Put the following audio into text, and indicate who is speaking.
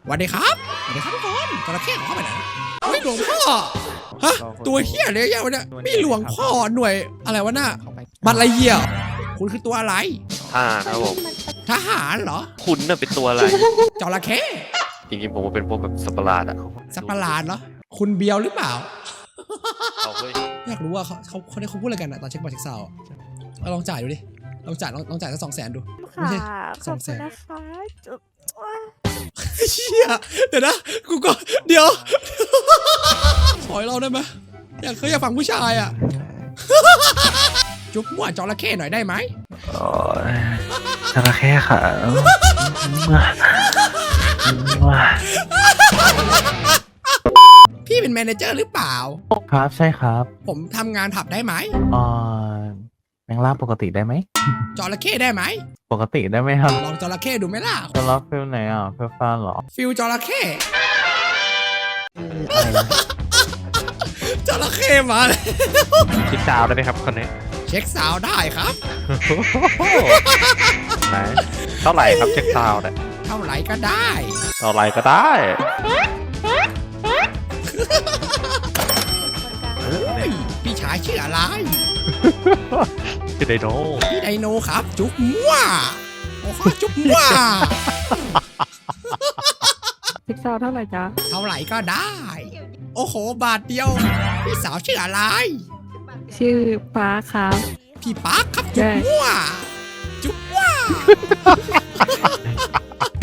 Speaker 1: สวัสดีครับสวัสดีครับทุกคนจระเข้ของเข้าไปไหนไม่หลวงพ่อฮะตัวเหี้ยเลยยังวะเนี่ยไม่หลวงพ่อหน่วยอะไรวะน่ะบัตรไรเหี้ยคุณคือตัวอะไร
Speaker 2: ทหารครับผม
Speaker 1: ทหารเหรอ
Speaker 2: คุณน่ะเป็นตัวอะไร
Speaker 1: จระเข้
Speaker 2: จริงๆผมเป็นพวกแบบสัตว์ประหลาดอะ
Speaker 1: สัตว์ประหลาดเหรอคุณเบียวหรือเปล่า
Speaker 2: เอาเฮ้ย
Speaker 1: อยากรู้ว่าเขาพูดอะไรกันอะตอนเช็คบัตรเช็คซาวด์เอาลองจ่ายดูดิลองจ่ายสัก200,000ดูไม่
Speaker 3: ค่ะ
Speaker 1: ใช่
Speaker 3: ขอบคุณนะคะจุ๊บ
Speaker 1: เชี่ยเดี๋ยวนะกูก็เดี๋ยวขอให้เราได้ไหมอยากฟังผู้ชายอะจุ๊บมั่วจระเข้หน่อยได้ไหม
Speaker 4: โอ้ยจระเข้ค่ะว้า
Speaker 1: พี่เป็นแมเนเจอร์หรือเปล่า
Speaker 4: ครับใช่ครับ
Speaker 1: ผมทำงานผับได้ไหม
Speaker 4: เอ่อแมงล่าปกติได้ไหม
Speaker 1: จระเข้ได้ไหม
Speaker 4: ปกติได้ไหมครับ
Speaker 1: ลองจระเข้ดูไหมล่ะ
Speaker 4: จะรับฟิลไหนอ่ะฟิลฟ้าเหรอ
Speaker 1: ฟิลจระเข้
Speaker 4: อะไรนะ
Speaker 1: จระเข้มาเลย
Speaker 2: คิดดาวได้ไหมครับคนนี้
Speaker 1: เช็คสาวได้ครับ
Speaker 2: ไหนเท่าไหร่ครับเช็คซาวน์เนี่ย
Speaker 1: เท่าไหร่ก็ได้
Speaker 2: เท่าไหร่ก็ได้
Speaker 1: เฮ้ยพี่ชายชื่ออะไร
Speaker 2: คือไดโน
Speaker 1: พี่ไดโนครับ จุ๊บมั่วโอ้โหจุ๊บมั่ว
Speaker 3: พิกซาวเท่าไหร่จ๊ะ
Speaker 1: เท่าไหร่ก็ได้ โอ้โหบาทเดียว พี่สาวชื่ออะไร
Speaker 3: ชื่อฟ้าครับ
Speaker 1: พี่ปาร์คครับจุ๊บมั่วจุ๊บมั่ว